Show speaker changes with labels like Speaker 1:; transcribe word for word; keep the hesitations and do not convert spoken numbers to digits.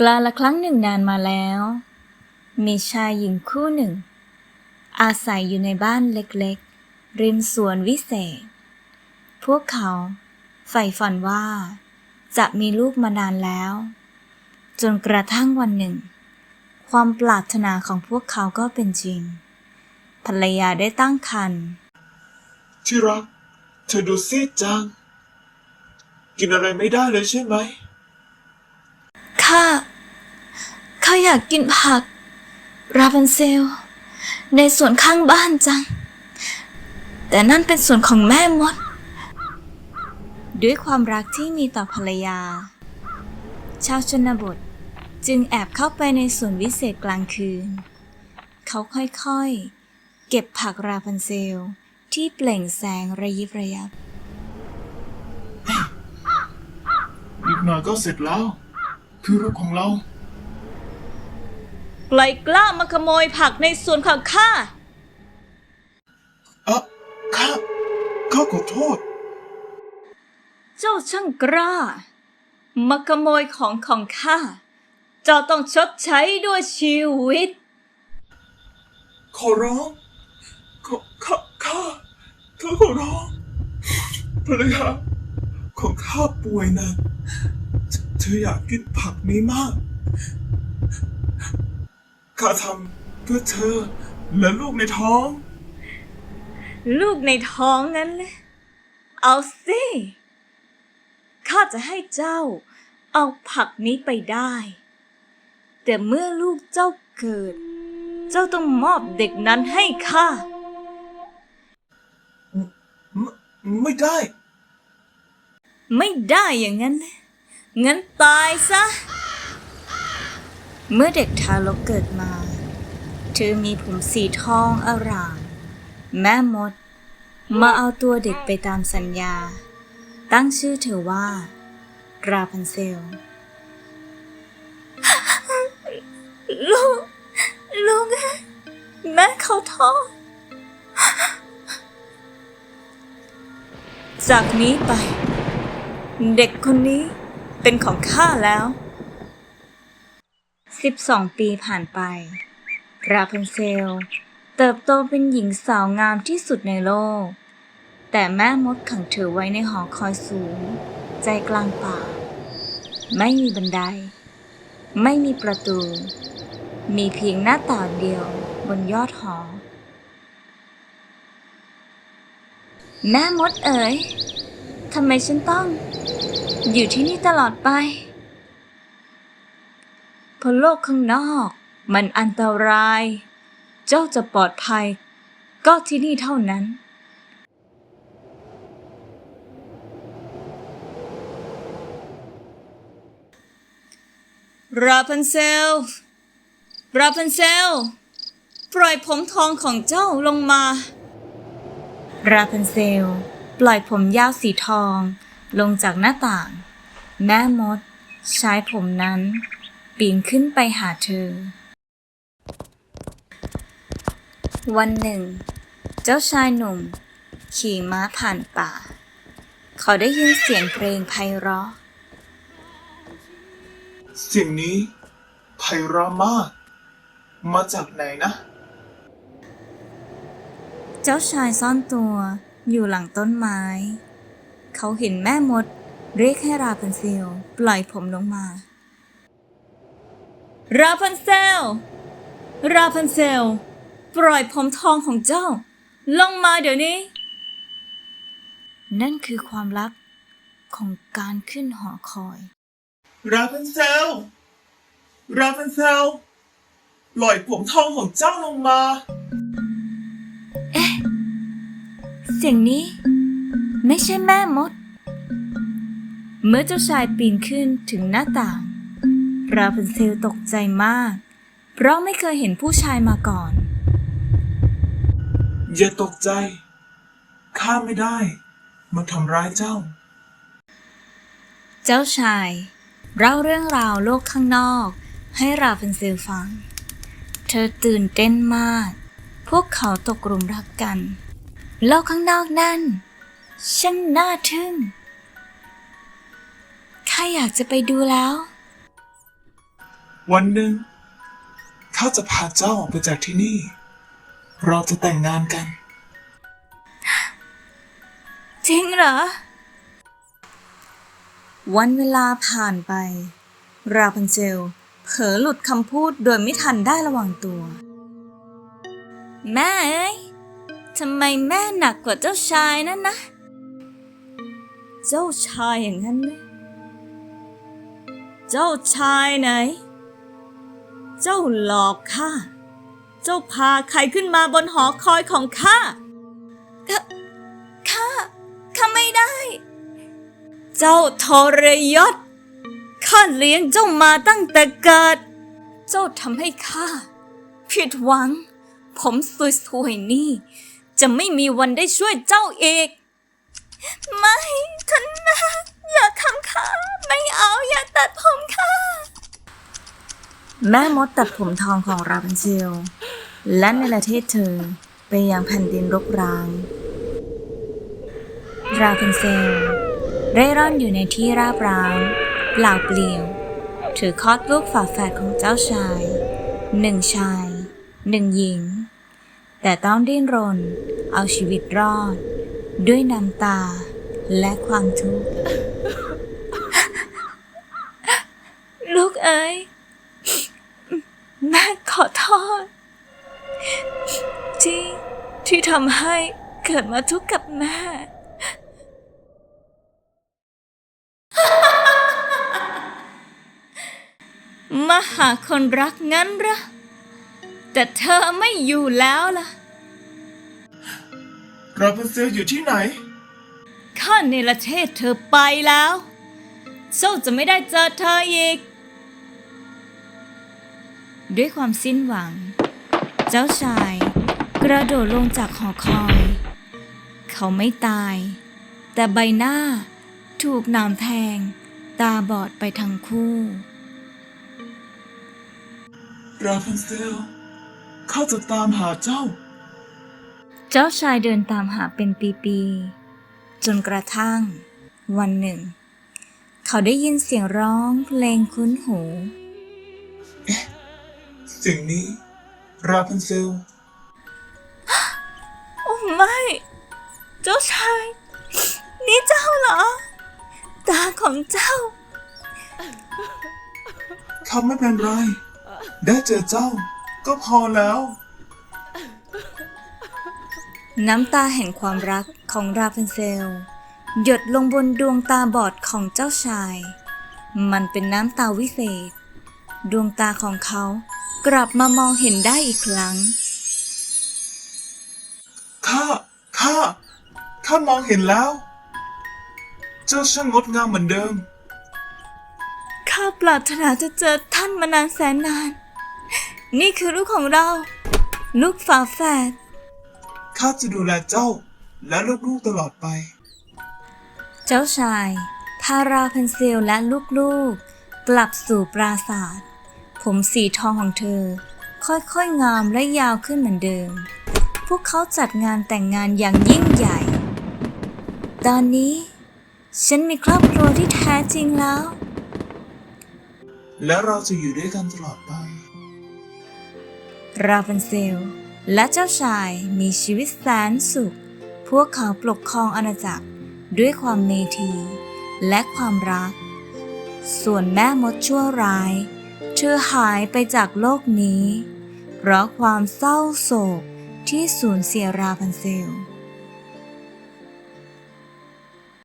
Speaker 1: กาลครั้งหนึ่งนานมาแล้วมีชายหญิงคู่หนึ่งอาศัยอยู่ในบ้านเล็กๆริมสวนวิเศษพวกเขาใฝ่ฝันว่าจะมีลูกมานานแล้วจนกระทั่งวันหนึ่งความปรารถนาของพวกเขาก็เป็นจริงภรรยาได้ตั้งครรภ์
Speaker 2: ที่รักเธอดูซีดจังกินอะไรไม่ได้เลยใช่ไหม
Speaker 1: ข้าข้าอยากกินผักราพันเซลในสวนข้างบ้านจังแต่นั่นเป็นสวนของแม่มดด้วยความรักที่มีต่อภรรยาชาวชนบทจึงแอบเข้าไปในสวนวิเศษกลางคืนเขาค่อยๆเก็บผักราพันเซลที่เปล่งแสงระยิบระยับ
Speaker 2: อีกหน่อยก็เสร็จแล้วคือลูกของเรา
Speaker 1: ใครกล้ามาขโมยผักในสวนของข้า
Speaker 2: อ่ะข้าข้าขอโทษ
Speaker 1: เจ้าช่างกล้ามาขโมยของของข้าเจ้าต้องชดใช้ด้วยชีวิต
Speaker 2: ขอร้องขอข้าข้าข้าขอร้องภรรยาของข้าป่วยนะเธออยากกินผักนี้มากข้าทำเพื่อเธอและลูกในท้อง
Speaker 1: ลูกในท้องนั้นเลยเอาสิข้าจะให้เจ้าเอาผักนี้ไปได้แต่เมื่อลูกเจ้าเกิดเจ้าต้องมอบเด็กนั้นให้ข้า
Speaker 2: ไม่ไม่ได้
Speaker 1: ไม่ได้อย่างนั้นเลยงั้นตายซะเมื่อเด็กทารกเกิดมาเธอมีผมสีทองอร่ามแม่มดมาเอาตัวเด็กไปตามสัญญาตั้งชื่อเธอว่าราพันเซลลูกลูกแม่เขาท้องจากนี้ไปเด็กคนนี้เป็นของข้าแล้วสิบสองปีผ่านไปราพันเซลเติบโตเป็นหญิงสาวงามที่สุดในโลกแต่แม่มดขังเธอไว้ในหอคอยสูงใจกลางป่าไม่มีบันไดไม่มีประตูมีเพียงหน้าต่างเดียวบนยอดหอแม่มดเอ๋ยทำไมฉันต้องอยู่ที่นี่ตลอดไปเพราะโลกข้างนอกมันอันตรายเจ้าจะปลอดภัยก็ที่นี่เท่านั้นราพันเซลราพันเซลปล่อยผมทองของเจ้าลงมาราพันเซลปล่อยผมยาวสีทองลงจากหน้าต่างแม่มดใช้ผมนั้นปีนขึ้นไปหาเธอวันหนึ่งเจ้าชายหนุ่มขี่ม้าผ่านป่าเขาได้ยินเสียงเพลงไพเราะ
Speaker 2: เสียงนี้ไพเราะมากมาจากไหนนะ
Speaker 1: เจ้าชายซ่อนตัวอยู่หลังต้นไม้เขาเห็นแม่มดเรียกให้ราพันเซลปล่อยผมลงมาราพันเซลราพันเซลปล่อยผมทองของเจ้าลงมาเดี๋ยวนี้นั่นคือความลับของการขึ้นหอคอย
Speaker 2: ราพันเซลราพันเซลปล่อยผมทองของเจ้าลงมา
Speaker 1: เอ๊ะเสียงนี้ไม่ใช่แม่มดเมื่อเจ้าชายปีนขึ้นถึงหน้าต่างราพันเซลตกใจมากเพราะไม่เคยเห็นผู้ชายมาก่อน
Speaker 2: อย่าตกใจข้าไม่ได้มาทำร้ายเจ้า
Speaker 1: เจ้าชายเล่าเรื่องราวโลกข้างนอกให้ราพันเซลฟังเธอตื่นเต้นมากพวกเขาตกหลุมรักกันโลกข้างนอกนั่นช่างน่าทึ่งข้าอยากจะไปดูแล้ว
Speaker 2: วันหนึ่งข้าจะพาเจ้าออกไปจากที่นี่ เราจะแต่งงานกัน
Speaker 1: จริงเหรอ วันเวลาผ่านไปราพันเซลเผลอหลุดคำพูดโดยไม่ทันได้ระวังตัว แม่เอ้ยทำไมแม่หนักกว่าเจ้าชายนั่นนะ เจ้าชายอย่างนั้นเลยเจ้าชายไหน เจ้าหลอกข้า เจ้าพาใครขึ้นมาบนหอคอยของข้าข้าข้าข้าไม่ได้ เจ้าทรยศข้าเลี้ยงเจ้ามาตั้งแต่เกิด เจ้าทำให้ข้าผิดหวัง ผมสวยๆนี่จะไม่มีวันได้ช่วยเจ้าอีก ไม่ท่านนะอย่าทำข้าไม่เอาอย่าตัดผมข้าแม่มดตัดผมทองของราพันเซลและในประเทศเธอไปยังแผ่นดินรกร้างราพันเซลเร่ร่อนอยู่ในที่ราบร้างเปล่าเปลี่ยวถือคลอดลูกฝาแฝดของเจ้าชายหนึ่งชายหนึ่งหญิงแต่ต้องดิ้นรนเอาชีวิตรอดด้วยน้ำตาและความทุกข์ ลูกเอ๋ยแม่ขอโทษที่ที่ทำให้เกิดมาทุกข์กับแม่ มาหาคนรักงั้นเหรอแต่เธอไม่อยู่แล้วล่ะ
Speaker 2: ราพันเซลอยู่ที่ไหน
Speaker 1: ข้าเนรเทศเธอไปแล้วเจ้าจะไม่ได้เจอเธออีก ด้วยความสิ้นหวังเจ้าชายกระโดดลงจากหอคอย เขาไม่ตายแต่ใบหน้าถูกหนามแทงตาบอดไปทั้งคู่
Speaker 2: ราพันเซลข้าจะตามหาเจ้า
Speaker 1: เจ้าชายเดินตามหาเป็นปีๆจนกระทั่งวันหนึ่งเขาได้ยินเสียงร้องเพลงคุ้นหู
Speaker 2: สิ่งนี้ราพันเซล
Speaker 1: โอ้ไม่ เจ้าชาย นี่เจ้าเหรอ ตาของเจ้า
Speaker 2: ข้าไม่เป็นไร ได้เจอเจ้าก็พอแล้ว
Speaker 1: น้ำตาแห่งความรักของราพันเซลหยดลงบนดวงตาบอดของเจ้าชาย มันเป็นน้ำตาวิเศษ ดวงตาของเขากลับมามองเห็นได้อีกครั้ง
Speaker 2: ข้า ข้า ข้ามองเห็นแล้ว เจ้าช่างงดงามเหมือนเดิม
Speaker 1: ข้าปรารถนาจะเจอท่านมานานแสนนาน นี่คือลูกของเรา ลูกฝาแฝด
Speaker 2: ข้าจะดูแลเจ้าและลูกๆตลอดไป
Speaker 1: เจ้าชายพาราพันเซลและลูกๆกลับสู่ปราสาท ผมสีทองของเธอค่อยๆงามและยาวขึ้นเหมือนเดิม พวกเขาจัดงานแต่งงานอย่างยิ่งใหญ่ ตอนนี้ฉันมีครอบครัวที่แท้จริงแล้ว
Speaker 2: และเราจะอยู่ด้วยกันตลอดไป
Speaker 1: ราพันเซลและเจ้าชายมีชีวิตแสนสุข พวกเขาปกครองอาณาจักรด้วยความเมตรีและความรัก ส่วนแม่มดชั่วร้ายเธอหายไปจากโลกนี้ เพราะความเศร้าโศกที่สูญเสียราพันเซล